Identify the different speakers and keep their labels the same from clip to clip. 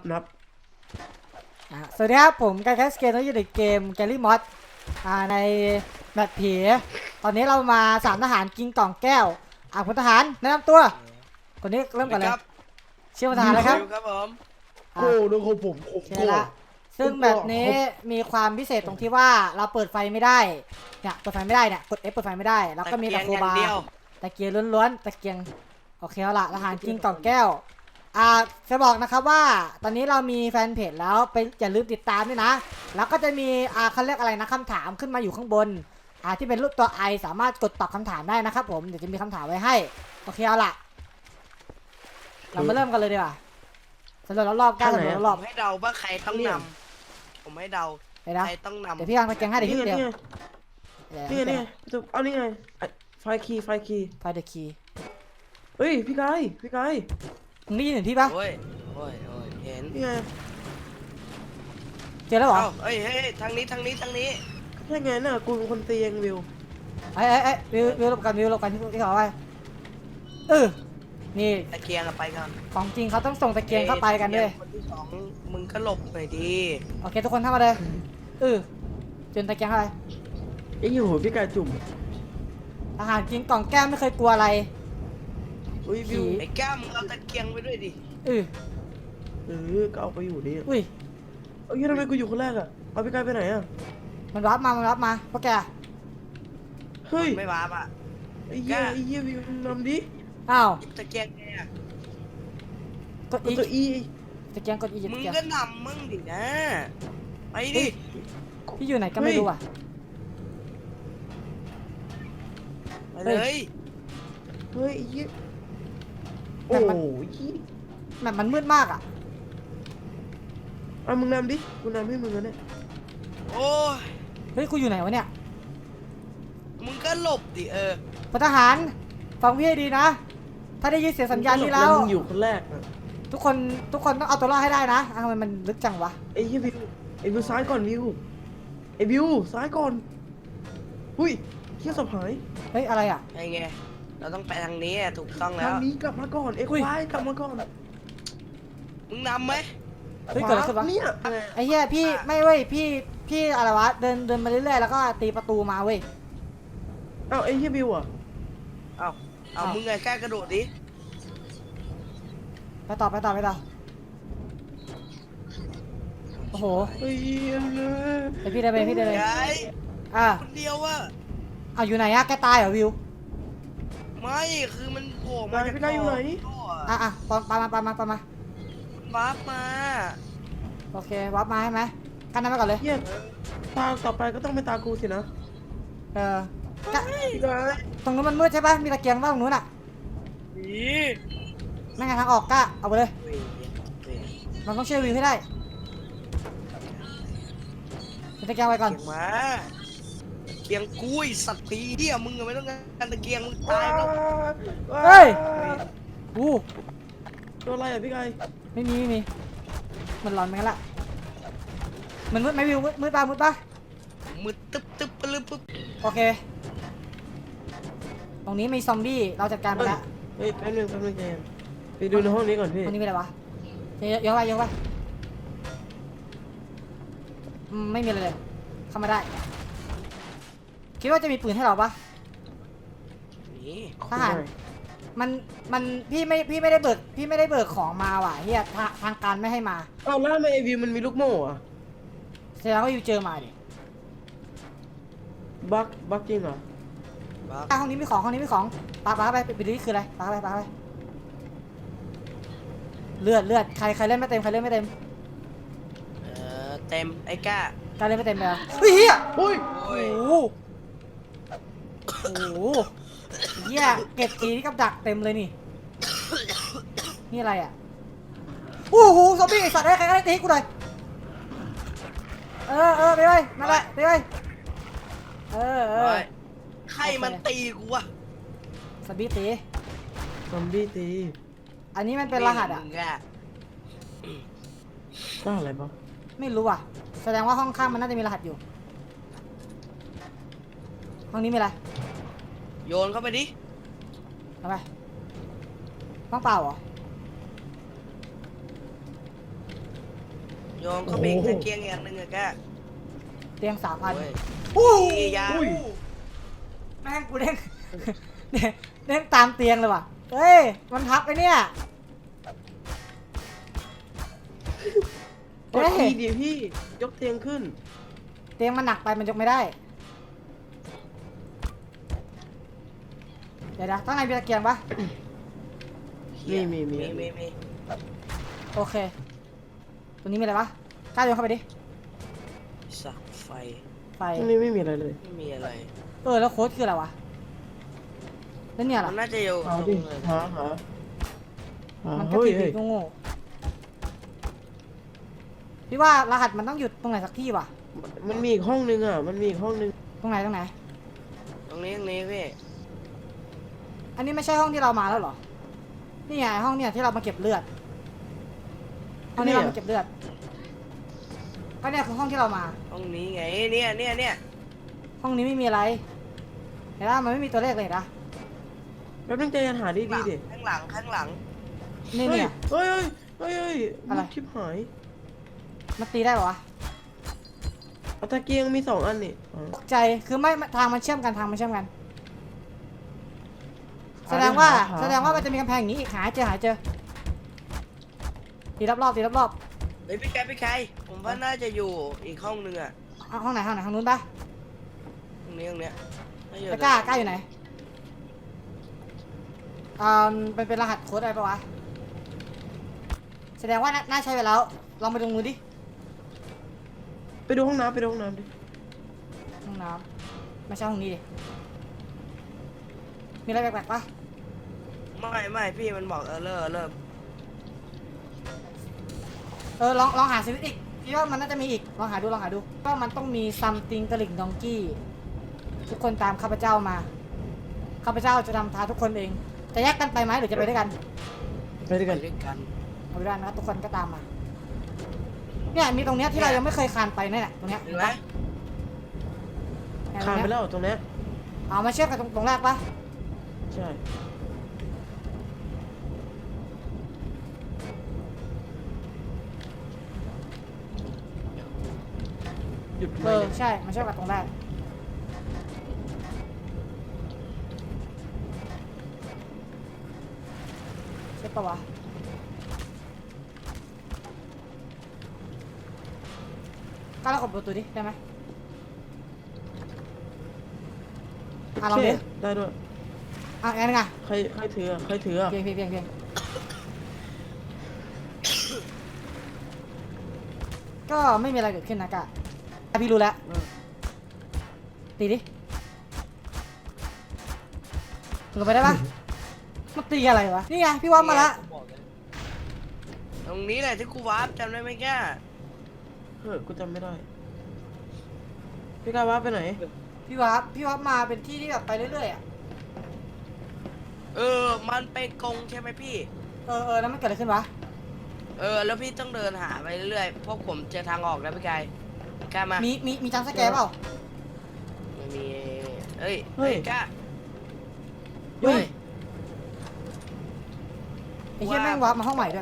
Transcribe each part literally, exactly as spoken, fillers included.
Speaker 1: นับ
Speaker 2: สวัสดีครับผมการแคสเกมที่อยู่ในเกมแกลลี่มอสในแมปผีตอนนี้เรามาสามทหารกินกล่องแก้วอ่ะพลทหารแนะนำตัวคนนี้เริ่มก่อนเลยชื่อพลทหารอะไรครับ
Speaker 3: ครับผม
Speaker 1: โอ้ดูของผมผมโกรธ
Speaker 2: ซึ่งแบบนี้มีความพิเศษตรงที่ว่าเราเปิดไฟไม่ได้เนี่ยเปิดไฟไม่ได้เนี่ยกด F เปิดไฟไม่ได้แล้วก็มีตะโคบาตะเกียงล้วนๆตะเกียงโอเคเอาละทหารกินกล่องแก้วอ่าจะบอกนะครับว่าตอนนี้เรามีแฟนเพจแล้วไปอย่าลืมติดตามด้วยนะแล้วก็จะมีอ่าเขาเรียกอะไรนะคำถามขึ้นมาอยู่ข้างบนอ่าที่เป็นรูปตัวไอสามารถกดตอบคำถามได้นะครับผมเดี๋ยวจะมีคำถามไว้ให้โอเคเอาล่ะเรามาเริ่มกันเลยดีกว่าสำรวจรอบๆกันสำรวจรอบ
Speaker 3: ให้เดาว่าใครต้องนำผมให้เดาใครต้องนำ
Speaker 2: เดี๋ยวพี่วางตะเกียงให้เดี๋ยวพี่เดียว
Speaker 1: นี่นี่เอานี่ไงไฟคีไฟคี
Speaker 2: ไฟเดอะคี
Speaker 1: เฮ้ยพี่กายพี่กาย
Speaker 2: มึงได้ยินเห็นพี่ปะ
Speaker 3: โอ้ยโอ้ยโอ้ยเห็น
Speaker 1: นี่ไง
Speaker 2: เจอแล้วเหรอ
Speaker 3: เฮ้ยเฮ้ยทางนี้ทางนี้ทางนี้
Speaker 1: แค่ไงน่ะกูเป็นคนตีเองวิว
Speaker 2: ไอ้ไอ้ไอ้วิววิวหลบกันวิวหลบกันที่ที่เขาไว้เออนี่
Speaker 3: ตะเกียงไปก่อน
Speaker 2: ของจริงเขาต้องส่งตะเกียงเข้าไปกันด้วย
Speaker 3: คนที่สองมึงก็หลบหน่อยดี
Speaker 2: โอเคทุกคนเข้ามาเลยเออจนตะเกียงเข้าไป
Speaker 1: ไอ้ยูพี่กายจุ่ม
Speaker 2: อาหารกินกล่องแก้มไม่เคยกลัวอะไร
Speaker 1: อุ้ยวิว
Speaker 3: ไอ้แก้มมึงเอาตะเกียงไปด้วยดิ
Speaker 2: เออ
Speaker 1: เออก็เอาไปอยู่นี่
Speaker 2: อุ้ย
Speaker 1: เอ้ยทำไมกูอยู่คนแรกอ่ะเอาพี่กายไปไหนอ่ะ
Speaker 2: มันรับมามันรับมาพวกแก
Speaker 1: เฮ้ย
Speaker 3: ไม่วาบอ่ะ
Speaker 1: ไอ้เหี้ยไอ้เหี้ยวิวนำดิ
Speaker 2: อ้าว
Speaker 3: ตะเกียงไงอ่ะ
Speaker 2: กดอี
Speaker 1: ตัวอี
Speaker 2: ตะเกียงกดอี
Speaker 3: มึงก็นำมึงดินะไปดิ
Speaker 2: พี่อยู่ไหนก็ไม่รู้อ่ะ
Speaker 3: ไปเลย
Speaker 1: เฮ้ยยี่โอ้ย
Speaker 2: แบบมันมืดมากอ่ะ
Speaker 1: อ่ะมึงนำดิกูนำให้มึงแล้วเนี่ย
Speaker 3: โอ้ย
Speaker 2: เฮ้ยกูอยู่ไหนวะเนี่ย
Speaker 3: มึงก็หลบดิเออ
Speaker 2: พลทหารฟังพี่ให้ดีนะถ้าได้ยินเสียงสัญญาณนี้แล้ว
Speaker 1: มึงอยู่คนแรก
Speaker 2: ทุกคนทุกคนต้องเอาตัวรอดให้ได้นะทำไมมันลึกจังวะ
Speaker 1: ไอ้วิวไอ้วิวซ้ายก่อนวิวไอ้วิวซ้ายก่อนหุ้ยเที่ยวสบหาย
Speaker 2: เฮ้ยอะไรอ่ะ
Speaker 3: ไงไงเราต้องไปทางนี้ถูกต้องแล้ว
Speaker 1: ทางนี้กลับมาก่อนเอ้ยควายกลับมาก่อน
Speaker 3: มึงนำไหม
Speaker 2: เฮ้ยเกิดอะไรขึ้นวะ
Speaker 1: เนี่ย
Speaker 2: ไอ้เหี้ยพี่ไม่เว้ยพี่พี่อะไรวะเดินเดินมาเรื่อยๆแล้วก็ตีประตูมาเว้ย
Speaker 1: เอ้าไอ้เหี้ยวิวอ่ะ
Speaker 3: เอ้าเอามึงไงกล้ากระโดดดิ
Speaker 2: ไปต่อไปต่อไปต่อโอ้โห
Speaker 1: เฮ้ย
Speaker 2: ไอพี่เดินไปพี่เดินไปอ่ะ
Speaker 3: คนเดียวอะ
Speaker 2: เอาอยู่ไหนอะแกตายเหรอวิว
Speaker 3: ไม่คือมันโผล่มาจาก
Speaker 1: พี่กายอยู่ไหน
Speaker 2: อ่ะอ่ะปอนปามาปามาปามา
Speaker 3: วาร์ปมา
Speaker 2: โอเควาร์ปมาใช่ไหมกันน้ำไปก่อนเลย
Speaker 1: เยี่ยตาต่อไปก็ต้องเป็นตากูสินะ
Speaker 2: เออตรงนู้นมันมืดใช่ปะมีตะเกียงว่าตรงนู้นอ่ะนั่งไงทางออกก้าเอาไปเลยมันต้องเชื่อวิวให้ได้ตะเกียงไว้ก่อน
Speaker 3: มาเกียงกุ้ยสัตว์ผีเหี้ยมึงไม่ต้องการตะเกียงมึงตายแล้ว
Speaker 2: เฮ้ยอู้
Speaker 1: ตัวอะไรอ่ะพี่ไก่
Speaker 2: ไม่มีไม่มีมันร้อนไหมกันละมันมืดไหมวิวมืดปะมืดปะ
Speaker 3: มืดตึ๊บตึ๊บปลึ๊บปึ๊บ
Speaker 2: โอเคตรงนี้มีซอมบี้เราจัดการไปแล้ว
Speaker 1: เฮ้ยแป๊บนึงแป๊บนึงเจมไปดูในห้องนี้ก่อนพี่
Speaker 2: ห้องนี้มีอะไรวะเยอะเยอะไปเยอะไปไม่มีอะไรเลยเข้ามาได้คิดว่าจะมีปืนให้เราปะ
Speaker 3: นี่
Speaker 2: ทหารมันมันพี่ไม่พี่ไม่ได้เบิกพี่ไม่ได้เบิกของมาว่ะเฮียทางการไม่ให้มา
Speaker 1: อ้าวแล้วทำไมไอวิวมันมีลูกโม่อะ
Speaker 2: แสดงว่าอยู่เจอมาดิ
Speaker 1: บักบักจริงเหรอ
Speaker 2: ห้องนี้มีของห้องนี้มีของปาปาไปไปดูนี่คืออะไรปาไปปาไปเลือดเลือดใครใครเล่นไม่เต็มใครเล่นไม่เต็ม
Speaker 3: เออเต็มไอ้ก้า
Speaker 2: การเล่นไม่เต็มแล้วเฮ้ยเฮีย
Speaker 1: โอ้ย
Speaker 2: โอ้โหโอ้โหเฮียเก็บทีนี่กับดักเต็มเลยนี่นี่อะไรอ่ะโอ้โหซอมบี้ไอสัตว์ได้ใครก็ได้ตีกูหน่อยเออเออไปไปนั่นแหละไปไปเออเออ
Speaker 3: ใครมันตีกูวะ
Speaker 2: ซอมบี้ตี
Speaker 1: ซอมบี้ตี
Speaker 2: อันนี้มันเป็นรหัสอ่ะ
Speaker 1: รหัสอะไรบ้าง
Speaker 2: ไม่รู้อ่ะแสดงว่าห้องข้างมันน่าจะมีรหัสอยู่ห้องนี้มีอะไร
Speaker 3: โยนเข้าไปดิ
Speaker 2: ทำไมต้องเปล่าเหรอ
Speaker 3: ยองเขาเบรกตะเกียงอย่างหนึ่งอะแก
Speaker 2: เตียงสามพัน
Speaker 3: โอ้ย
Speaker 2: อู้
Speaker 3: ยา
Speaker 1: อุ้ย
Speaker 2: แม่งกูเด้ง เด้งเด้งตามเตียงเลยว่ะเฮ้ยมันพับไปเนี่ย
Speaker 1: กดทีดิพี่ยกเตียงขึ้น
Speaker 2: เตียงมันหนักไปมันยกไม่ได้เดี๋ยวนะตั้งไงมีตะเกียงปะ
Speaker 1: มีมีมี
Speaker 3: มีมีมี
Speaker 2: โอเคตัวนี้มีอะไรปะกล้าโยนเข้าไปดิ
Speaker 3: สักไฟ
Speaker 2: ไฟ
Speaker 1: ตรงนี้ไม่มีอะไรเลย
Speaker 3: ไม่มีอะไร
Speaker 2: เออแล้วโค้ดคืออะไรวะแล้วเนี่ยเหร
Speaker 3: มั
Speaker 2: อน
Speaker 3: น่าจะอยู่
Speaker 1: หา
Speaker 3: ตร
Speaker 1: ดิ
Speaker 3: งเลย
Speaker 1: หาหาหา
Speaker 2: มันก็
Speaker 1: เฮ้ย
Speaker 2: ผิด
Speaker 1: เฮ้ย
Speaker 2: ๆโง่ๆพี่ว่ารหัสมันต้องหยุดตรงไหนสักที่ว่ะ
Speaker 1: มันมีอีกห้องนึงอ่ะมันมีอีกห้องนึง
Speaker 2: ตรงไหนตรงไหน
Speaker 3: ตรงนี้ตรงนี้พี่
Speaker 2: อันนี้ไม่ใช่ห้องที่เรามาแล้วเหรอนี่ไงห้องเนี่ยที่เรามาเก็บเลือดห้องนี้เรามาเก็บเลือดก็เนี่ยคือห้องที่เรามา
Speaker 3: ห้องนี้ไงเนี่ยเนี่ยเนี่ย
Speaker 2: ห้องนี้ไม่มีอะไรเห็นปะมันไม่มีตัวเลขเลยนะ
Speaker 1: แป๊บนึงใจเย็นหาดีดีๆดิ
Speaker 3: ข้างหลังข้างหลัง
Speaker 2: นี่เนี่ย
Speaker 1: เฮ้ยเฮ้ยเฮ้ยเฮ้ย
Speaker 2: อะไร
Speaker 1: ชิบหาย
Speaker 2: มันตีได้ปะวะ
Speaker 1: เอาตะเกียงมีสองอันนี่อ๋อ
Speaker 2: ตกใจคือไม่ทางมันเชื่อมกันทางมันเชื่อมกัน แสดงว่า
Speaker 1: หห
Speaker 2: แสดงว่ามันจะมีกำแพงอย่างนี้อีกหาให้เจอหาให้เจอตีรอบๆตีรอบ
Speaker 3: เฮ้ยพี่แกพี่ใครผมว่าน่าจะอยู่อีกห้องนึงอะ
Speaker 2: ๆเอาห้องไหนห้องไหนห้องนู้นปะ
Speaker 3: ตรงนี้ตรงเนี้ยน่าจะอยู่
Speaker 2: ตะกร้าก้าอยู่ไหนอ่าเป็นเป็นรหัสโค้ดอะไรปะวะแสดงว่าน่าน่าใช้ไปแล้วลองไปดูมือดิ
Speaker 1: ไปดูห้องน้ำไปดูห้องน้ำดิ
Speaker 2: ห้องน้ำไม่ใช่ห้องนี้ดิมีอะไรแปลกๆปะ
Speaker 3: ไม่ไม่พี่มันบอกเออเลิกเลิก
Speaker 2: เออลองลองหาสวิตช์อีกพี่ว่ามันน่าจะมีอีกลองหาดูลองหาดูก็มันต้องมี something กระหลิ่งดองกี้ทุกคนตามข้าพเจ้ามาข้าพเจ้าจะนำทางทุกคนเองจะแยกกันไปไหมหรือจะไปด้วยกัน
Speaker 1: ไปด้วย
Speaker 3: ไป
Speaker 1: กัน
Speaker 3: ด้วยกัน
Speaker 2: เอาไปด้วยกันนะครับทุกคนก็ตามมาเนี่ยมีตรงเนี้ยที่เรายังไม่เคยคานไปเนี่ยแหละตรงเนี้ย
Speaker 3: เห็นไหม
Speaker 2: เนี่ยตร
Speaker 1: คาง น
Speaker 2: เนี้
Speaker 1: ไป
Speaker 2: ย
Speaker 1: แล้วตรงเนี้ย
Speaker 2: เอามาเชื่อมกันตรงตรงแรกปะ
Speaker 1: ใช่หยุด
Speaker 2: เอ
Speaker 1: ไหม
Speaker 2: อ
Speaker 1: เนี่ย
Speaker 2: ใช่มาเชื่อมกันตรงแรกใช่ปะวะก้าวแล้วกดประตูดิได้ไหมอ่ะลองดิ
Speaker 1: โเคได้ด้วย
Speaker 2: อ่ะงั้นไง
Speaker 1: ใครใครถืออะใครถืออะ
Speaker 2: เพียงเพียงเพียงเพียงก็ไม่มีอะไรเกิดขึ้นนะกะอ่ะพี่รู้แล้ว
Speaker 1: เออ
Speaker 2: ตีดิลงไปได้ปะมันตีอะไรวะ นี่ไงพี่ว่ามาละ
Speaker 3: ตรงนี้แหละที่กูวาร์ปจำได้ไหมแก
Speaker 1: เฮ้ยกูจำไม่ได้พี่กายว่าไปไหน
Speaker 2: พี่ว่าพี่ว่ามาเป็นที่ที่แบบไปเรื่อยๆอ่ะ
Speaker 3: เออมันเป็นกรงใช่ไหมพี่
Speaker 2: เออเออแล้วมันเกิดอะไรขึ้นวะ
Speaker 3: เออแล้วพี่ต้องเดินหาไปเรื่อยๆพวกผมเจอทางออกแล้วพี่กายกล้ามา
Speaker 2: มีมีมีจังสแกร์เปล่า
Speaker 3: ไม่มีเอ้ย
Speaker 1: เฮ้ย
Speaker 3: กล้า
Speaker 1: เฮ้ย
Speaker 2: ไอ้เหี้ยแม่งวาร์ปมาห้องใหม่ด้วย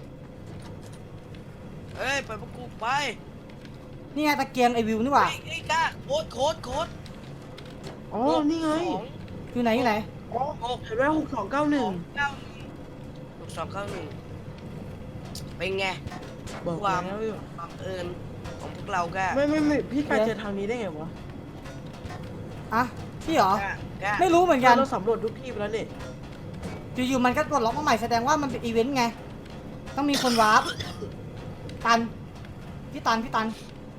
Speaker 3: เอ้ยไปพวกกูไป
Speaker 2: นี่ไงตะเกียงไอวิวนี่หว่า
Speaker 3: เฮ้ยเฮ้ยกล้าโค้ดโค้ดโค้ด
Speaker 1: อ๋อ นี่ไง
Speaker 3: สอง
Speaker 2: อยู่ไหนอยู่ไหน
Speaker 1: อ๋อ
Speaker 3: หก
Speaker 1: เห็นไหมหกสองเก้าหนึ่ง
Speaker 3: เก้าหนึ่งหกสองเก้าหนึ่งเป็นไง
Speaker 1: บอก
Speaker 3: ความ
Speaker 1: แล้วอยู่
Speaker 3: บังเอิญของพวกเราก็
Speaker 1: ไม่ไม่ไม่พี่กายเจอทางนี้ได้ไงวะ
Speaker 2: อ่ะพี่เหรอ
Speaker 3: กล้า กล้า
Speaker 2: ไม่รู้เหมือนกัน
Speaker 1: เราสำรวจทุกที่ไปแล้วนี่
Speaker 2: อยู่ๆมันก็ปลดล็อกมาใหม่แสดงว่ามันเป็นอีเวนต์ไง ต้องมีคนวาร์ปตัน พี่ตันพี่ตัน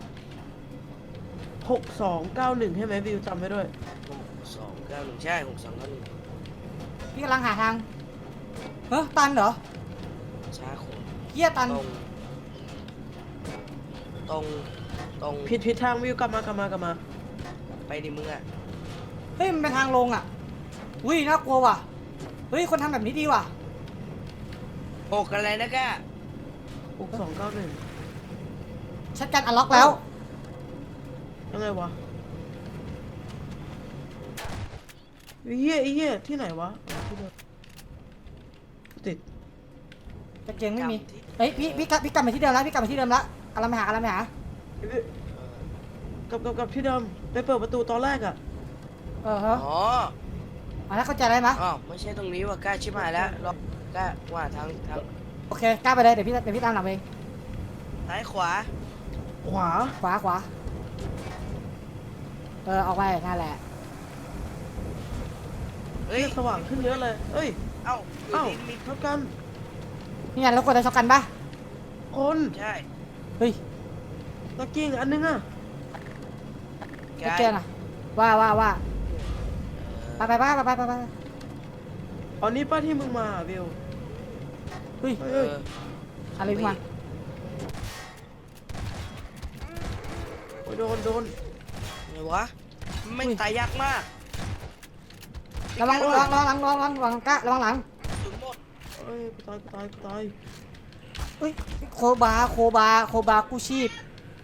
Speaker 1: หกสองเก้าหนึ่งใช่ไหมวิวจำไว้ด้วย
Speaker 3: หกสองเก้าหนึ่งใช่หกสองเก้าหนึ่ง
Speaker 2: พี่กำลังหาทาง เฮ้ยตันเหรอ
Speaker 3: ช้าโค้ด
Speaker 2: เฮียตัน
Speaker 3: ตรง ตรง ตรง
Speaker 1: ผิดผิดทางวิวกลับมากลับมากลับมา
Speaker 3: ไปดิมึงอ่ะ
Speaker 2: เฮ้ยมันเป็นทางลงอ่ะอุ้ยน่ากลัวว่ะ เฮ้ยคนทำแบบนี้ดีว่ะ
Speaker 3: หกอะไรนะก้า
Speaker 1: หกสองเก้าหนึ่ง
Speaker 2: ชัดกันอันล็อกแล้ว
Speaker 1: ยังไงวะไอ้เหี้ยไอ้เหี้ยที่ไหนวะอ๋อที่เดิมติด
Speaker 2: ตะเกียงไม่มี เฮ้ยพี่พี่กลับพี่กลับมาที่เดิมแล้วพี่กลับมาที่เดิมแล้วกำลังไปหากำลังไปหา
Speaker 1: ไอ้บิวกับกับกับที่เดิมไปเปิดประตูตอนแรกอะ
Speaker 2: เออฮะ
Speaker 3: อ๋อ
Speaker 2: อ่ะแล้วเข้าใจได้ไหม
Speaker 3: อ๋อไม่ใช่ตรงนี้ว่ะกล้าชิบหายแล้วรอบกล้าว่าทางทาง
Speaker 2: โอเคกล้าไปเลยเดี๋ยวพี่เดี๋ยวพี่ตามหลังเอง
Speaker 3: ซ้ายขวา
Speaker 1: ขวา
Speaker 2: ขวาขวาเออออกไปนั่นแหละ
Speaker 3: เฮ้ย
Speaker 1: เฮ้ยสว่างขึ้นเยอะเลยเอ้ย
Speaker 3: เอ้า
Speaker 1: เอ้า
Speaker 3: มี
Speaker 1: เท่ากัน
Speaker 2: นี่ไงแล้วกดอะไรช็อกกันปะ
Speaker 1: คน
Speaker 3: ใช่
Speaker 2: เฮ้ย
Speaker 1: ตะเกียงอันนึงอะ
Speaker 2: ตะเกียงอะว่าว่าว่าไปไปไปไปไปไปไป
Speaker 1: อันนี้ป้าที่มึงมาอะบิว
Speaker 2: เฮ้ย
Speaker 3: เออ
Speaker 2: อะไรขึ้นมา
Speaker 1: โอ้ยโดนโดน
Speaker 3: ไงวะไม่งตายยากมาก
Speaker 2: ระวังระวังระวังหลังระวังหลังระวังกะระวังหลัง
Speaker 3: สุดหมด
Speaker 1: เอ้ยกูตายกูตายกูตาย
Speaker 2: เฮ้ยโคบาโคบาโคบากู้ชีพ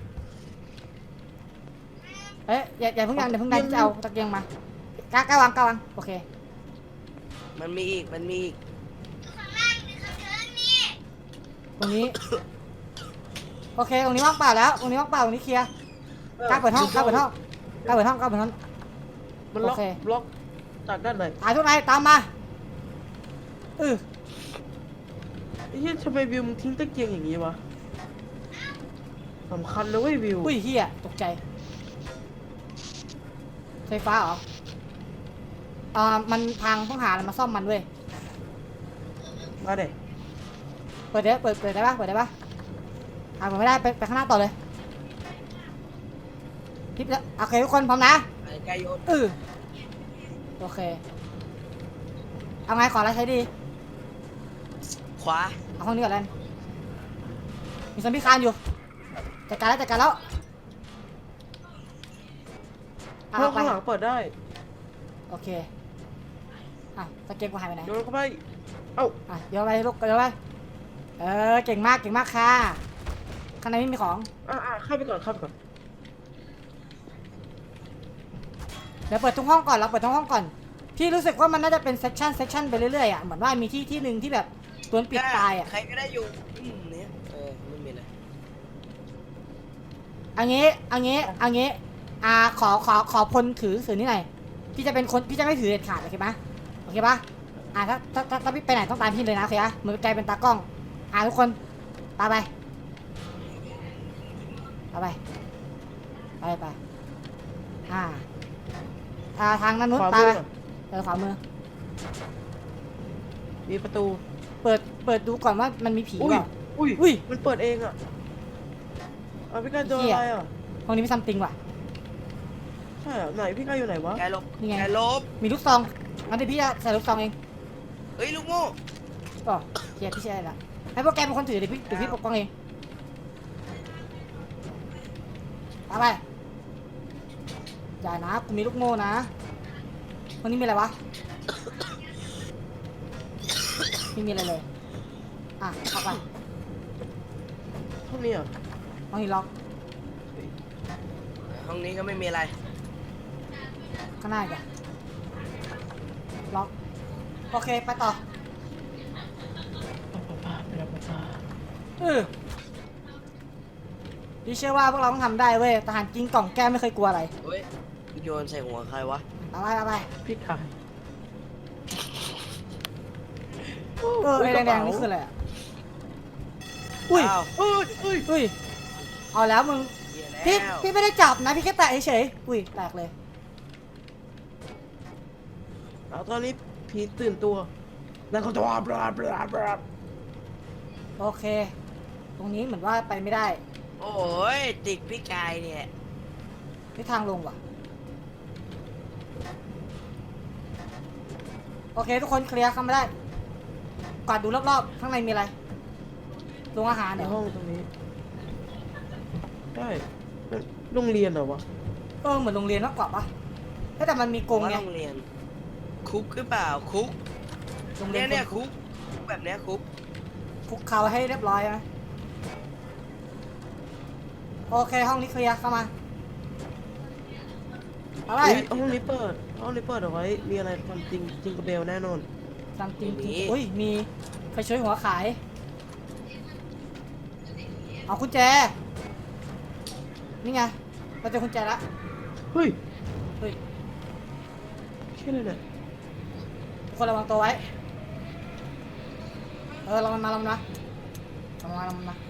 Speaker 2: เอ๊ะอย่าอย่าเพิ่งดันอย่าเพิ่งดันจะเอาตะเกียงมากะกะวางกะวางโอเค
Speaker 3: มันมีอีกมันมีอีก
Speaker 2: ตรงนี้ โอเค ตรงนี้ว่างเปล่าแล้ว ตรงนี้ว่างเปล่า ตรงนี้เคลียร์กล้าเปิดห้องกล้าเปิดห้องกล้าเปิดห้องกล้าเปิดห้อง
Speaker 1: มันล็อก
Speaker 2: โอเค
Speaker 1: ล็อกจากด้านไหน
Speaker 2: ตายทุกนายตามมาเออ
Speaker 1: ไอ้เหี้ยทำไมวิวมึงทิ้งตะเกียงอย่างงี้วะสำคัญนะเว้ยวิว
Speaker 2: อุ้ยเฮียตกใจ ไฟฟ้าเหรออ่ามันพังต้องหาอะไรมาซ่อมมันเว้ย
Speaker 1: มาเด็
Speaker 2: เปิดได้เปิดเปิดได้ปะเปิดได้ปะอ่าเปิดไม่ได้ไปไปข้างหน้าต่อเลยทิปแล้วโอเคทุกคนพร้อมนะ
Speaker 3: ไอ้ไก่โยน
Speaker 2: เออโอเค เอาไงขออะไรใช้ดี
Speaker 3: ขวา
Speaker 2: เอาห้องนี้ก่อนแล้วกันมีซอมบี้คานอยู่จัดการแล้วจัดการแล้วเอา
Speaker 1: ห้อง
Speaker 2: ไป
Speaker 1: ข้างหลังเปิดได้
Speaker 2: โอเคอ่ะตะเกียงกูหายไปไหน
Speaker 1: โยนเข้าไปเอ้า
Speaker 2: อ่ะเดี๋ยวไปลูกเดี๋ยวไปเออเก่งมากเก่งมากค่ะข้างในไม่มีของ
Speaker 1: อ่าอ่าเข้าไปก่อนเข้าไปก่อน
Speaker 2: เดี๋ยวเปิดทุกห้องก่อนเราเปิดทุกห้องก่อนพี่รู้สึกว่ามันน่าจะเป็นเซสชันเซสชันไปเรื่อยๆอ่ะเหมือนว่ามีที่ที่หนึ่งที่แบบตัวปิดตายอ่ะ
Speaker 3: ใครก็ได้อยู่อืมเนี่ยเออไม่มีเลย
Speaker 2: อันนี้อันนี้อันนี้อ่าขอขอขอพลถือสื่อนี่หน่อยพี่จะเป็นคนพี่จะไม่ถือเด็ดขาดโอเคไหมโอเคปะอ่าถ้าถ้าถ้าถ้าพี่ไปไหนต้องตามพี่เลยนะโอเคปะเหมือนกลายเป็นตากล้องอ่าทุกคนตามไปตามไปไปไปอ่าอ่าทางนั้นนู้น
Speaker 1: ขวา
Speaker 2: ตาม
Speaker 1: มื
Speaker 2: ไป
Speaker 1: อ
Speaker 2: เออขวามือ
Speaker 1: มีประตู
Speaker 2: เปิดเปิดดูก่อนว่ามันมีผี
Speaker 1: อุ้
Speaker 2: เป
Speaker 1: ย
Speaker 2: ล่า
Speaker 1: อุ้ย
Speaker 2: อุ้ย
Speaker 1: มันเปิดเองอ่ะเอาพี่กายโดน
Speaker 2: เหี้ย
Speaker 1: อะไรอ่ะ
Speaker 2: ห้องนี้มีซัมติงว่ะ
Speaker 1: ใช่เหรอไหนพี่กายอยู่ไหนวะ
Speaker 3: ไก่ลบ
Speaker 2: นี่ไง
Speaker 3: ไก่ลบ
Speaker 2: มีลูกซองงั้นเดี๋ยวพี่จะใส่ลูกซองเอง
Speaker 3: เฮ้ยลูกโม่
Speaker 2: ก็เฮียพี่ใช่ละให้พวกแกเป็นคนถือเดี๋ยวพี่เดี๋ยวพี่ปกป้องเองเอาไปอย่านะกูมีลูกโม่นะวันนี้มีอะไรวะไม่มีอะไรเลยอ่ะเข้าไป
Speaker 1: ห้องนี้อ่ะ
Speaker 2: ห้องนี้ล็อก
Speaker 3: ห้องนี้ก็ไม่มีอะไร
Speaker 2: ข้างหน้าอีกอะล็อกโอเคไปต่อเออพี่เชื่อว่าพวกเราต้องทำได้เว้ยทหารกินกล่องแก้วไม่เคยกลัวอะไร
Speaker 3: เฮ้ยโยนใส่หัวใครวะ
Speaker 2: เอาไปเอาไป
Speaker 1: พี่กาย
Speaker 2: เออไอ้แดงๆนี่คืออะไรอ่ะอุ้ย
Speaker 3: อ้าว
Speaker 1: เอ้ยเอ้ย
Speaker 2: อุ้ยเอาแล้วมึง
Speaker 3: เหี้
Speaker 2: พี่
Speaker 3: ยแล้ว
Speaker 2: พี่ไม่ได้จับนะพี่แค่แตะเฉยๆอุ้ยแตกเลย
Speaker 1: เอาตอนนี้ผีตื่นตัวแล้วเขาจะว่าบลาบลาบลา
Speaker 2: โอเค ตรงนี้เหมือนว่าไปไม่ได้
Speaker 3: โอ้ยติดพี่กายเนี่ย
Speaker 2: ที่ทางลงว่ะโอเคทุกคนเคลียร์เข้ามาได้กวาดดูรอบๆข้างในมีอะไรโรงอาหาร
Speaker 1: ใน
Speaker 2: เนี่ย
Speaker 1: ห้องตรงนี้ได้มันโรงเรียนเหรอวะ
Speaker 2: เออเหมือนโรงเรียนมากกว่าปะแต่มันมีกรง
Speaker 3: ว่า
Speaker 2: ไง
Speaker 3: โรงเรียน คุกหรือเปล่าคุก
Speaker 2: โรงเรีย
Speaker 3: เนี่ย
Speaker 2: น
Speaker 3: เนี่ยคุกคุกแบบเนี้ยคุก
Speaker 2: คุกเขาให้เรียบร้อยไหมโอเคห้องนี้เคลียร์เข้ามาอะไร
Speaker 1: อุ๊ยห้องนี้เปิดห้องนี้เปิดเอาไว้มีอะไรความจริงจริงกับเบลแน่นอน
Speaker 2: ซัมติงอุ้ยมีไฟช่วยหัวขาย โอเอากุญแจนี่ไงเราเจอกุญแจแล้ว
Speaker 1: เฮ้ย
Speaker 2: เฮ้ย
Speaker 1: เชี่ยอะไรเนี่ย
Speaker 2: ทุกคนระวังตัวไว้เออเรามันมาเรามันมาเรามันมาเรามันมา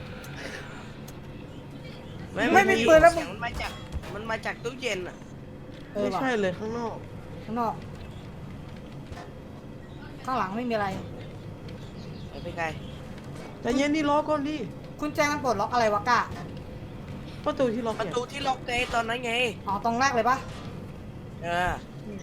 Speaker 2: ไม่มีปืนแล้ว
Speaker 3: เสียงมันมาจากมันมาจากตู้เย็นอ่ะ
Speaker 2: เออ
Speaker 1: ไม่
Speaker 2: ว่ะ
Speaker 1: ใช่เลยข้างนอก
Speaker 2: ข้างนอกข้างหลังไม่มีอะไร
Speaker 3: ไปไปไกล
Speaker 1: แต่เย็นนี่ล็อกก่อนดิ
Speaker 2: กุญแจมันปลดล็อกอะไรวะก้า
Speaker 1: ประตูที่ล็อก
Speaker 3: ประ
Speaker 1: เนี่ย
Speaker 3: ตูที่ล็อกไงตอนนั้นไง
Speaker 2: อ๋อตรงแรกเลยปะ
Speaker 3: เออ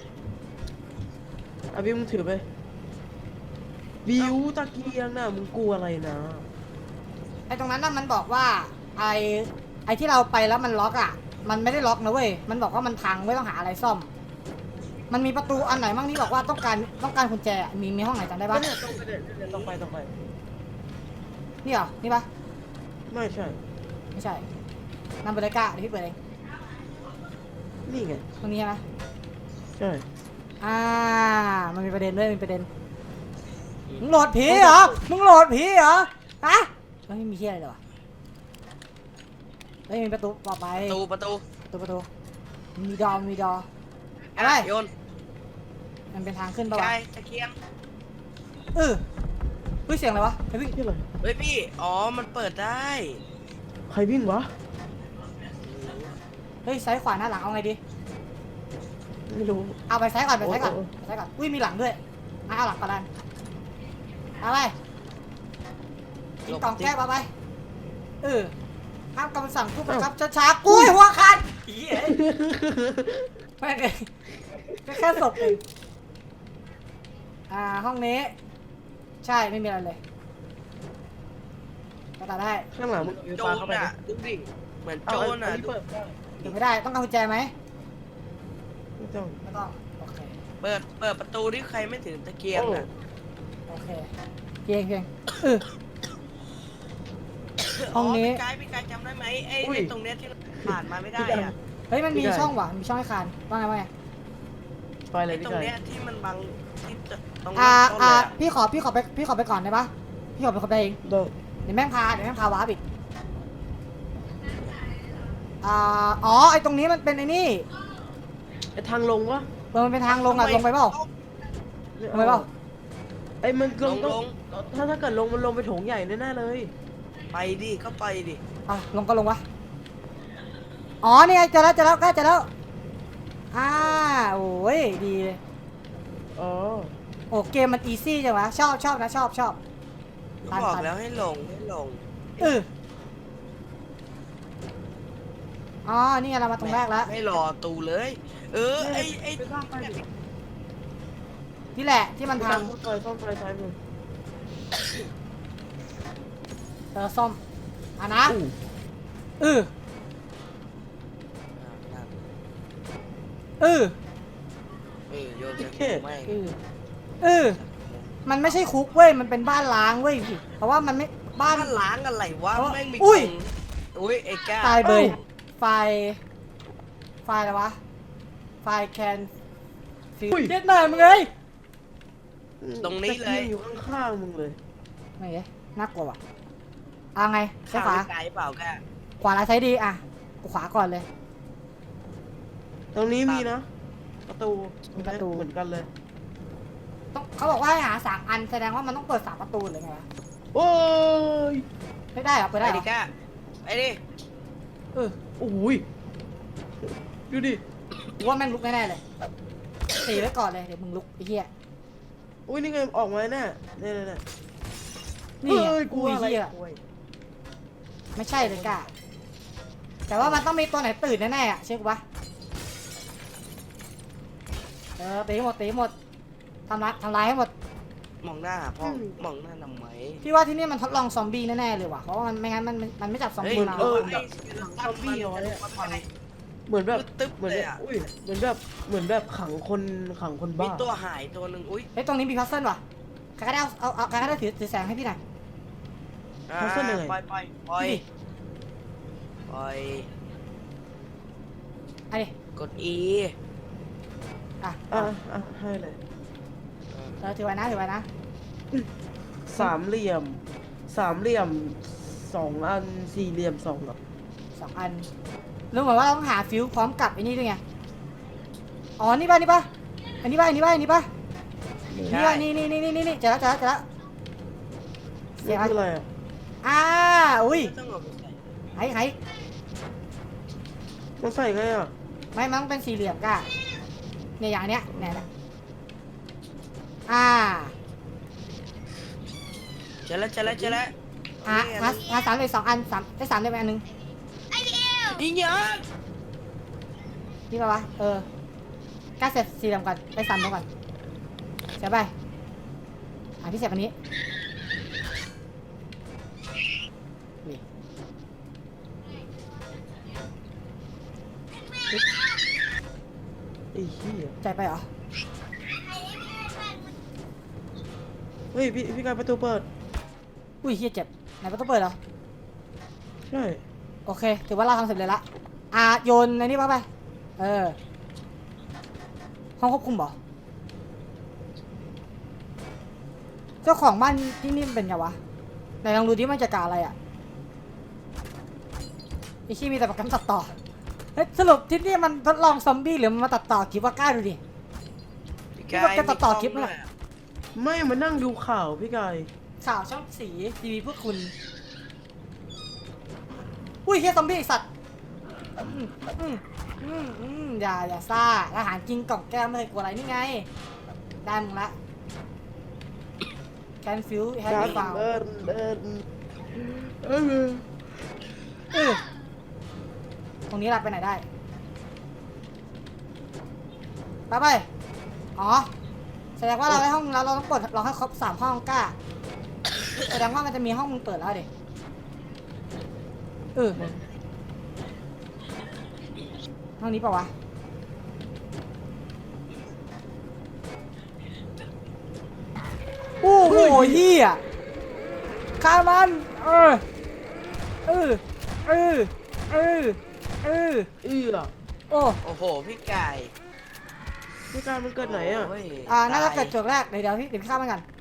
Speaker 1: อ่ะบิวมึงถือไปบิวตะเกียงน่ะมึงกลัวอะไรนะ
Speaker 2: ไอตรงนั้นน่ะมันบอกว่าไอไอที่เราไปแล้วมันล็อกอ่ะมันไม่ได้ล็อกนะเว้ยมันบอกว่ามันพังไม่ต้องหาอะไรซ่อม มันมีประตูอันไหนบ้างที่บอกว่าต้องการต้องการกุญแจอะมีมีห้องไหนจำได้ปะ
Speaker 1: เนี่ยต้องไปเนี่ยเนี่ยต้องไปต้องไป
Speaker 2: นี่เหรอนี่ปะ
Speaker 1: ไม่ใช่
Speaker 2: ไม่ใช่นำไปเลยก้าเดี๋ยวพี่เปิดเอง
Speaker 1: นี่ไง
Speaker 2: ตรงนี้ใช่ไหม
Speaker 1: ใช่
Speaker 2: อ่ามันมีประเด็นด้วยมีประเด็นมึงโหลดผีเหรอมึงโหลดผีเหรอฮะไม่มีเฮียอะไรเลยวะเฮ้ยมีประตูต่อไป
Speaker 3: ประตูประตู
Speaker 2: ประตูประตูมีดอมีดออะไร
Speaker 3: โยน
Speaker 2: มันเป็นทางขึ้นปะ
Speaker 3: ไก
Speaker 2: วะ
Speaker 3: ลตะเกียง
Speaker 2: เออเฮ้ยเสียงอะไรวะเฮ้ยพี่
Speaker 1: ที่อะไร
Speaker 3: เฮ้ยพี่อ๋อมันเปิดได้
Speaker 1: ใครวิ่งวะ
Speaker 2: เฮ้ยซ้ายขวาหน้าหลังเอาไงดี
Speaker 1: ไม่รู้
Speaker 2: เอาไปซ้ายก่อนไปซ้ายก่อน
Speaker 1: โอ้โอ้
Speaker 2: ไปซ้ายก่อนอุ้ยมีหลังด้วยอ่ะเอาหลังก่อนดันเอาไปกินกล่องแก้วเอาไปเออห้ามคำสั่งผู้บังคับช้าๆกุ้ยหัวขาดเหี้ยไม่เลยก็แค่ศพเองอ่าห้องนี้ใช่ไม่มีอะไรเลยก็ตัดได้
Speaker 1: ข้างหลังมึง
Speaker 3: โจ
Speaker 1: ปาร เข้าไป
Speaker 3: น่ะ
Speaker 1: ดิ
Speaker 3: ดูดิเหมือน
Speaker 1: เอา
Speaker 3: โจ
Speaker 1: อั
Speaker 3: ร
Speaker 1: น
Speaker 3: น่ะ
Speaker 1: นี้เปิดได้
Speaker 2: เก็บไม่ได้ต้องการกุญแจไหม
Speaker 1: ไม่ต้อง
Speaker 2: ไม่ต้องโอเค
Speaker 3: เปิดเปิดประตูที่ใครไม่ถึงตะเกียงน่ะ
Speaker 2: โอเคเพียงเพียงเออ ห้องนี้
Speaker 3: พี่กายพี่กายจำได้ไหมไอ้ไอ้ตรงเนี้ยที่ผ่านมาไม่ได้อะ
Speaker 2: เฮ้ยมันมีช่องว่ะมีช่องให้คานว่าไงว่าไง
Speaker 1: ไปเลย
Speaker 3: ไอ้
Speaker 1: พี่
Speaker 3: ตรง
Speaker 1: ไก่
Speaker 3: เนี้ยที่มันบังที่จะตรง
Speaker 2: อ่า
Speaker 3: ต้น
Speaker 2: อ่า
Speaker 3: เลยอะ
Speaker 2: พี่ขอพี่ขอไปพี่ขอไปก่อนได้ปะพี่ขอไปคนไปเอง
Speaker 1: เดิน
Speaker 2: เดี๋ยวแม่งพาเดี๋ยวแม่งพาวาร์ปอีกอ่าอ๋อไอตรงนี้มันเป็นไอ้นี่
Speaker 1: ไอ้ทางลงวะ
Speaker 2: เออมันเป็นทางลงอ่ะลงไปเปล่าลงไปเปล่า
Speaker 1: ไอ้มันล
Speaker 3: ล
Speaker 1: ง
Speaker 3: ง
Speaker 1: ต้
Speaker 3: ล
Speaker 1: อง
Speaker 3: ง
Speaker 1: ถ้าถ้าเกิดลงมันลงไปโถงใหญ่แน่ๆเลย
Speaker 3: ไปดิก็ไปดิ
Speaker 2: อ่ะลงก็ลงวะอ๋อนี่ไงเจอแล้วเจอแล้วใกล้เจอแล้วอ่าโอ้ยดีเลย
Speaker 1: อ๋อ
Speaker 2: โอ้เกมมันอีซี่จังวะชอบชอบนะชอบชอบ
Speaker 3: ก็บอกแล้วให้ลงให้ลง
Speaker 2: เอออ๋อนี่ไงเรามาตรงแรกแล้ว
Speaker 3: ไม่รอตูเลย เออไอ้ไอ้
Speaker 1: ไปสร้างไฟดิ
Speaker 2: นี่แหละที่มัน
Speaker 1: ไป
Speaker 2: พั
Speaker 1: สร้าง งไฟซ่อมไฟซ้ายมือ
Speaker 2: เออซ่อมอ่ะนะ
Speaker 1: อู้
Speaker 2: เออเออ
Speaker 3: เออโยนจะไม่
Speaker 2: เออเออมันไม่ใช่คุกเว้ยมันเป็นบ้านล้างเว้ยเพราะว่ามันไม่บ้า
Speaker 3: บ้าน นล้างอะไรวะ
Speaker 2: เพราะ
Speaker 3: แม่งมี
Speaker 2: อุ้ย
Speaker 3: กล่องอุ้ยไอ้แก้ว
Speaker 2: ตายเบยไฟไฟอะไรวะไฟแคนฟิวเจ็ดหน่อยมึงเลย
Speaker 3: ตรงนี้เลย
Speaker 1: ตะกีงอยู่ข้างๆมึงเลย
Speaker 2: ไม่เอ๊ะน่ากลัวว่ะอ่ะไงใช่
Speaker 3: ข้าว
Speaker 2: ขวา
Speaker 3: ไกลเปล่าแก
Speaker 2: ขวาหรือซ้ายดีอ่ะกูขวาก่อนเลย
Speaker 1: ตรงนี้มีนะ ประตู
Speaker 2: มีประตู
Speaker 1: เหมือนกันเลย
Speaker 2: ต้องเขาบอกว่าให้หาสามอันแสดงว่ามันต้องเปิดสามประตูเลยไงวะ
Speaker 1: โอ้ย
Speaker 2: ไม่ได้เหรอเปิด
Speaker 3: ไป
Speaker 2: ได้เหร
Speaker 3: ดิ
Speaker 2: อ
Speaker 3: แกไปดิ
Speaker 2: เออ
Speaker 1: โอ้ยดูดิ
Speaker 2: กูว่าแม่งลุกแน่ๆเลยตีไว้ก่อนเลยเดี๋ยวมึงลุกไอ้เหี้ย
Speaker 1: อุ้ยนี่ไงออกมาแน่เนี่ยเนี่ยเนี่ย
Speaker 2: นี่ไง
Speaker 1: เอ้ย
Speaker 2: กู
Speaker 1: กลัว
Speaker 2: ไอ้
Speaker 1: อะไร
Speaker 2: เหี้ย
Speaker 1: กลัว
Speaker 2: ไม่ใช่เลยกะแต่ว่ามันต้องมีตัวไหนตื่นแน่ๆอ่ะเชื่อกูปะเออตีให้หมดตีให้หมดทำร้ายทำร้ายให้หมด
Speaker 3: มองหน้าพ่อมองหน้าทำไม
Speaker 2: พี่ว่าที่นี่มันทดลองซอมบี้แน่ๆเลยว่ะเพราะว่ามันไม่งั้นมันมันมันไม่จับซอม
Speaker 3: เฮ้ย
Speaker 2: บี้มา
Speaker 3: เออ
Speaker 1: แบ
Speaker 3: ไอ้
Speaker 1: บ
Speaker 3: ซอมบี้เอาไว้ไป
Speaker 1: เหมือนแบบ
Speaker 3: ตึ๊บ
Speaker 1: เหมือน
Speaker 3: เล
Speaker 1: แบ
Speaker 3: ย
Speaker 1: บ
Speaker 3: อะ
Speaker 1: อุ้ยเหมือนแบบเหมือนแบบขังคนขังคน
Speaker 3: มี
Speaker 1: บ้า
Speaker 3: ตัวหายตัวหนึ่งอุ้ย
Speaker 2: เฮ้ยตรงนี้มีพัซเซิลว่ะใครก็ได้เอาเอาเอาใครก็ได้ถือถือแสงให้พี่หน่อย
Speaker 3: อ่าปล่อยปล่อยปล่อยปล่อย
Speaker 2: ไอ้ดิ
Speaker 3: กด E
Speaker 2: อ่ะ
Speaker 1: อ่ะอ่ะให้เลย
Speaker 2: เออถือไว้นะถือไว้นะ
Speaker 1: สามเหลี่ยม สามเหลี่ยมสองอันสี่เหลี่ยมสองเหรอ
Speaker 2: สองอันรู้เหมือนว่าต้องหาฟิวพร้อมกับไอ้นี่ด้วยไงอ๋อนี่ป่ะนี่ป่ะอันนี้ป่ะอันนี้ป่ะอันนี้ป่ะนี่ป่ะนี่นี่นี่นี่นี่เจอแล้วเจอแล้วเจอแล้วเสี
Speaker 1: นี่
Speaker 2: ยง
Speaker 1: คืออะไรอ่ะ
Speaker 2: อ่าอุ้ย
Speaker 3: ต้องเอาไปใส่
Speaker 2: ไห้ไห้
Speaker 1: มันใส่ไงอ่ะ
Speaker 2: ไม่มันต้องเป็นสี่เหลี่ยมก้าเนี่ยอย่างเนี้ยเนี่ยนะอ่า
Speaker 3: เจอแล้วเจอแล้วเจอแล้ว
Speaker 2: หาหาหาสามเลยสองอันสามได้สามได้ไปอันหนึง
Speaker 3: ยิงเยอะ
Speaker 2: นี่ป่ะวะเออก้าเสร็จสี่เหลี่ยมก่อนได้สามตัวก่อนเสียไปอ่าพี่เสร็จอันนี้นี่
Speaker 1: ไอ้เหี้ย
Speaker 2: ใจไปเหรอ
Speaker 1: เฮ้ยพี่พี่กายประตูเปิด
Speaker 2: อุ้ยเฮียเจ็บไหนประตูเปิดเหรอ
Speaker 1: ใช่
Speaker 2: โอเคถือว่าเราทำเสร็จเลยละอ่าโยนในนี้ป่ะไปเออห้องควบคุมเหรอเจ้าของบ้านที่นี่มันเป็นไงวะไหนลองดูดิมันจะกาอะไรอ่ะไอชี่มีแต่โปรแกรมตัดต่อเฮ้ยสรุปที่นี่มันทดลองซอมบี้หรือมันมาตัดต่อคลิปว่ากล้าดูดิ
Speaker 3: พี่
Speaker 2: ว่าจะตัดต่อคลิปไหม
Speaker 3: มีกล้ง
Speaker 2: ล่ะ
Speaker 3: ด้วย
Speaker 1: ไม่มานั่งดูข่าวพี่กาย
Speaker 2: ข่าวช่องสีทีวีพวกคุณอุ้ยเฮียซอมบี้ไอ้สัตว์อืมอืมอืมอืมอย่าอย่าซ่าอาหารกินกล่องแก้วไม่เคยกลัวอะไรนี่ไงได้มึงละแคนฟิวแฮปปี้ฟาว
Speaker 1: เดินเดินเออ
Speaker 2: เออตรงนี้เราไปไหนได้ไปไปอ๋อแสดงว่าเราได้ห้องแล้วเราต้องเปิดเราให้ครบสามห้องกล้าแสดงว่ามันจะมีห้องมึงเปิดแล้วดิเออห้องนี้เปล่าวะโอ้โหเฮียฆ่ามันเออเออเออเออเออ
Speaker 1: เอื้อ
Speaker 2: โอ้
Speaker 3: โอ้โหพี่ไก่
Speaker 1: พี่กายมันเกิดไหนอ่ะ
Speaker 3: โย
Speaker 2: อ่าน่าจะ
Speaker 3: ตย
Speaker 2: เกิดจุดแรกเดี๋ยวเดี๋ยวพี่เดี๋ยวพี่ข้ามมันกัน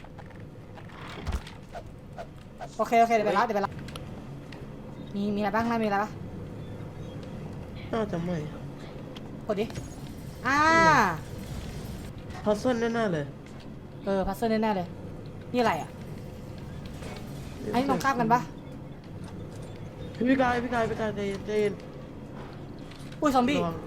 Speaker 2: โอเคโอเคเดี๋ยวไปรับเดี๋ยวไปรับมีมีอะไรบ้างนะมีอะไรบ้าง
Speaker 1: น่าจะไม่
Speaker 2: กดดิอ่า
Speaker 1: พัซเซิลแน่ๆเลย
Speaker 2: เออพัซเซิลแน่ๆเลยนี่อะไรอ่ะไอ้นี่ตรงข้ามกันปะ
Speaker 1: พี่กายพี่กายพี่กายใจเย็นใจเย็น
Speaker 2: อุ้ยซอมบี้
Speaker 1: ระวัง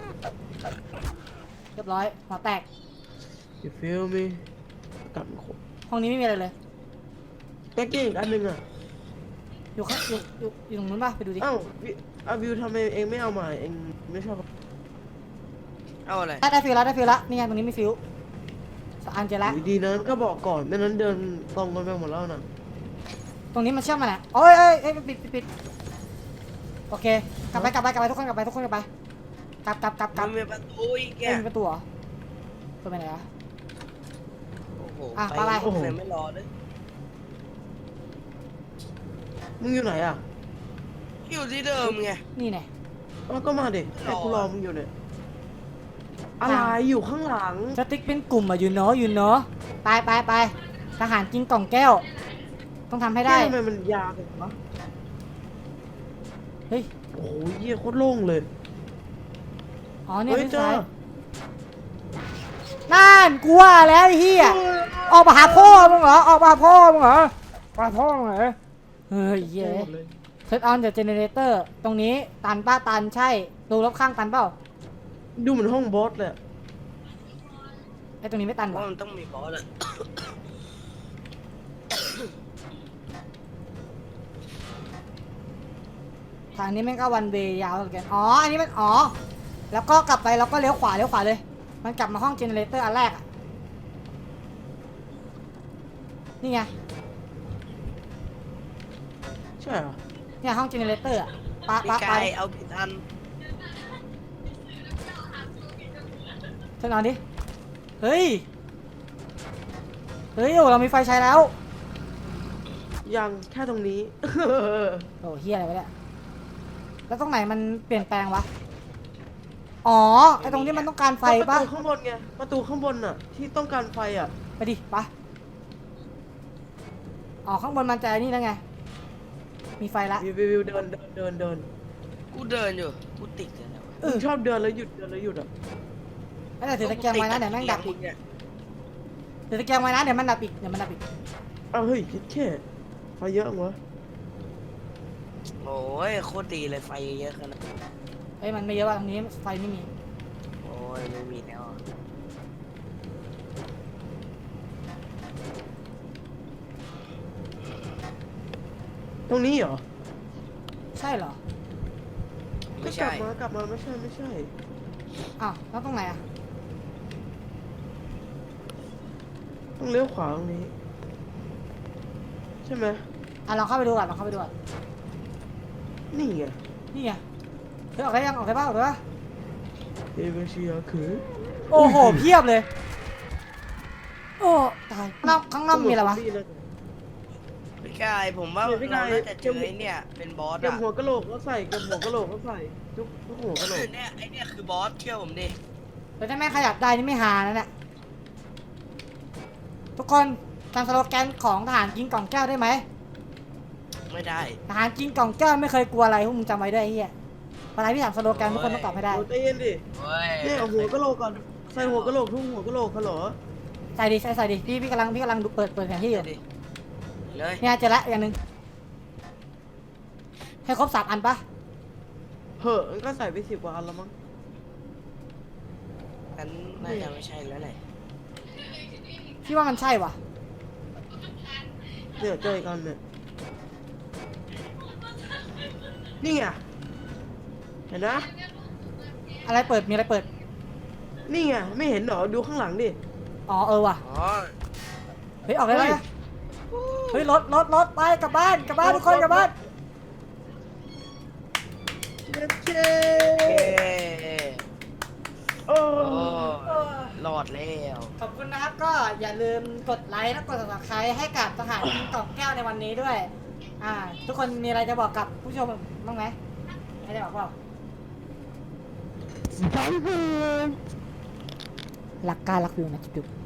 Speaker 2: เรียบร้อยหัวแตก
Speaker 1: you feel me กัดขบ
Speaker 2: ห้องนี้ไม่มีอะไรเลย
Speaker 1: แก๊กเก้อีกอันหนึ่งอ่ะ
Speaker 2: อยู่ข้างอยู่อยู่อยู่ตรงนู้นปะไปดูดิ
Speaker 1: เอ้าวิอาวิวทำไมเองไม่เอามาเองไม่ชอบ
Speaker 3: เอาอะไร
Speaker 2: ได้ได้ฟิวแล้วได้ฟิวแล้วนี่ไงตรงนี้มีฟิวสองอันเจอแล้ว
Speaker 1: อยู่ดีนั้นก็บอกก่อนไม่นั้นเดินตรงกันไปหมดแล้วนะ
Speaker 2: ตรงนี้มันเชื่อมมาไหนโอ้ยเอ้ยเอ้ยปิดปิดปิดโอเคกลับไปกลับไปกลับไปทุกคนกลับไปทุกคนกลับไปกลับกลับกลับก
Speaker 3: มั
Speaker 2: ลั
Speaker 3: น
Speaker 2: บ
Speaker 3: มีประตูอีกแก
Speaker 2: เอ้ยมีประตูเหรอเปิดไปไหนอะ
Speaker 3: โอ้โห
Speaker 2: อ่ะ
Speaker 3: ไป
Speaker 2: ไป
Speaker 3: เลยไม่รอเลย
Speaker 1: มึงอยู่ไหนอ่ะ
Speaker 3: อยู่ที่เดิมไง
Speaker 2: นี่ไง
Speaker 1: อ๋อก็มาดิ
Speaker 3: รอ
Speaker 1: ไอ้กูรอมึงอยู่เนี่ยอะไรอยู่ข้างหลัง
Speaker 2: สติ๊กเป็นกลุ่มอะอยู่เนาะอยู่เนาะไปไปไปทหารกินกล่องแก้ว ต้องทำให้ได้
Speaker 1: เฮ้ยทำไมมันยาวจังวะ
Speaker 2: เฮ้ย
Speaker 1: โอ้โหเยี่ยโคตรโล่งเลย
Speaker 2: อ๋อเนี่ย
Speaker 1: เฮ้ย
Speaker 2: ที่
Speaker 1: เจอ
Speaker 2: ซ้ายนั่นกูว่าแล้วไอ้เหี้ยออกมาหาพ่อมึงเหรอออกมาหาพ่อมึงเหรอมาพ่อมึงเหรอเฮ้ยเย้
Speaker 1: หมดเลย
Speaker 2: เซตออนเดอะเจเนเรเตอร์ตรงนี้ตันป้าตันใช่ดูรอบข้างตันเปล่า
Speaker 1: ดูเหมือนห้องบอสเลยอะ
Speaker 2: ไอ้ตรงนี้ไม่ตัน
Speaker 3: ว่า
Speaker 2: วะ
Speaker 3: มันต้องมีบอสอะ
Speaker 2: ทางนี้แม่งก็วันเวย์ยาวเหมือนกันอ๋ออันนี้มันอ๋อแล้วก็กลับไปแล้วก็เลี้ยวขวาเลี้ยวขวาเลย มันกลับมาห้องเจเนเรเตอร์อันแรกอะนี่ไง
Speaker 1: ใช่เหรอ
Speaker 2: เนี่ยห้องเจเนเรเตอร์อะปะ
Speaker 3: พี่
Speaker 2: ปะ
Speaker 3: ไก่
Speaker 2: ปะ
Speaker 3: เอาผิดอัน
Speaker 2: เชิญนอนดิ เฮ้ย เฮ้ยโอ้เรามีไฟใช้แล้ว
Speaker 1: ยังแค่ตรงนี้
Speaker 2: โอ้เฮียอะไรวะเนี่ย แล้วตรงไหนมันเปลี่ยนแปลงวะ อ๋อ ไอตรงนี้มันต้องการไฟ
Speaker 1: ป
Speaker 2: ปะ
Speaker 1: ระตูข้างบนไงประตูข้างบนน่ะที่ต้องการไฟอ่ะ
Speaker 2: ไปดิปะอ๋อข้างบนมันจะไอ้นี่แล้วไงมีไฟละ
Speaker 1: วิววิววิวเดินเดินเดินเดิน
Speaker 3: กูเดินอยู่กูติดเลยนะ
Speaker 2: เอ
Speaker 1: มึ
Speaker 2: อ
Speaker 1: งชอบเดินแล้วหยุดเดินแล้วหยุดอ่ะ
Speaker 2: ไม่แต่ถือตะเกียงไว้นะเดี๋ยวแม่งดับอีก
Speaker 3: เนี่ย
Speaker 2: ถือตะเกียงไว้นะเดี๋ยวมันดับอีกเดี๋ยวมันดับอีก
Speaker 1: อ้าวเฮ้ยคิดแค่ไฟเยอะวะ
Speaker 3: โอ้ยโคตรดีเลยไฟเยอะขนาดนั้น
Speaker 2: เอ้ยมันไม่เยอะว่ะตรงนี้ไฟไม่มี
Speaker 3: โอ้ยไม่มีแล้วอะ
Speaker 1: ตรงนี้เหรอ
Speaker 2: ใช่เหรอ
Speaker 3: ไม่
Speaker 1: กลั
Speaker 3: ใช่
Speaker 1: บมากลับมาไม่ใช่ไม่ใช่
Speaker 2: อ้าวแล้วตรงไหนอ่ะ
Speaker 1: ต้องเลี้ยวขวาตรงนี้ ใช่ไหม
Speaker 2: อ่ะลองเข้าไปดูก่อนลองเข้าไปดูก่อน
Speaker 1: นี่ไง
Speaker 2: นี่ไงเฮ้ยออกได้ยังออกได้ป่ะออกได้ป่ะ
Speaker 1: เอเวเชียคือ
Speaker 2: โอ้โหเพียบเลยโอ้ตายนอกข้างนอกมีอะไรวะ
Speaker 3: พี่กายผมว่า
Speaker 1: เนี่ยพี่
Speaker 3: เรา
Speaker 1: กาย
Speaker 3: น่าจะเจอไอ้เนี่ยเป็นบอส
Speaker 1: เก็บ
Speaker 3: อะ
Speaker 1: หัวกะโหลกก็ใส่เก็บหัวกะโหลกก็ใส่ทุกทุกหัวกะโหลก
Speaker 3: เนี่ยไอ้เนี่ยคือบอสเชื่อผมดิ
Speaker 2: แต่ถ้าแม่งขยับได้นี่ไม่หานะเนี่ยทุกคนจำสโลแกนของทหารกินกล่องแก้วได้ไหม
Speaker 3: ไม่ได้
Speaker 2: ทหารกินกล่องแก้วไม่เคยกลัวอะไรพวกมึงจำไว้ด้วยไอ้เหี้ยเวลาพี่ถามสโลแกนทุกคนต้องตอบให้ได้
Speaker 1: โอ้ใจเย็นดิ
Speaker 3: โอ้ย
Speaker 1: เนี่ยเอาหัวกะโหลกก่อนใส่หัวกะโหลกทุกหัวกะโหลกฮัลโหล
Speaker 2: ใส่ดิใส่ใส่ดิพี่พี่กำลังพี่กำลังดูเปิดเปิดแผนที่อยู่
Speaker 3: ดิเลย
Speaker 2: เนี่ยเจอละอย่างหนึ่งให้ครบสามอันปะ
Speaker 1: เหอะมันก็ใส่ไปสิบกว่าอันแล้วมั้ง
Speaker 3: งั้นน่าจะไม่ใช่แล้วแหละ
Speaker 2: พี่ว่ามันใช่ว่ะ
Speaker 1: เนี่ยเจออีกอันเนี่ยนี่ไงเห็นนะ
Speaker 2: อะไรเปิดมีอะไรเปิด
Speaker 1: นี่ไงไม่เห็นเหรอดูข้างหลังดิ
Speaker 2: อ๋อเออว่ะ
Speaker 3: อ๋อ
Speaker 2: เฮ้ยออกได้ไหม
Speaker 1: เฮ้ย
Speaker 2: เฮ้ยรถรถรถไปกลับบ้านกลับบ้านทุกคนกลับบ้าน
Speaker 1: เจ็ดเค
Speaker 3: เอ้ย
Speaker 1: โอ้
Speaker 3: โอ้รอดแล้ว
Speaker 2: ขอบคุณนะครับก็อย่าลืมกดไลค์และกด subscribe ให้กับทหารกินกล่องแก้วในวันนี้ด้วย อ่า ทุกคนมีอะไรจะบอกกับผู้ชมบ้างไหมไม่ได้บอกเปล่า
Speaker 1: สบายเลย
Speaker 2: รักกล้ารักวิวนะจุ๊บ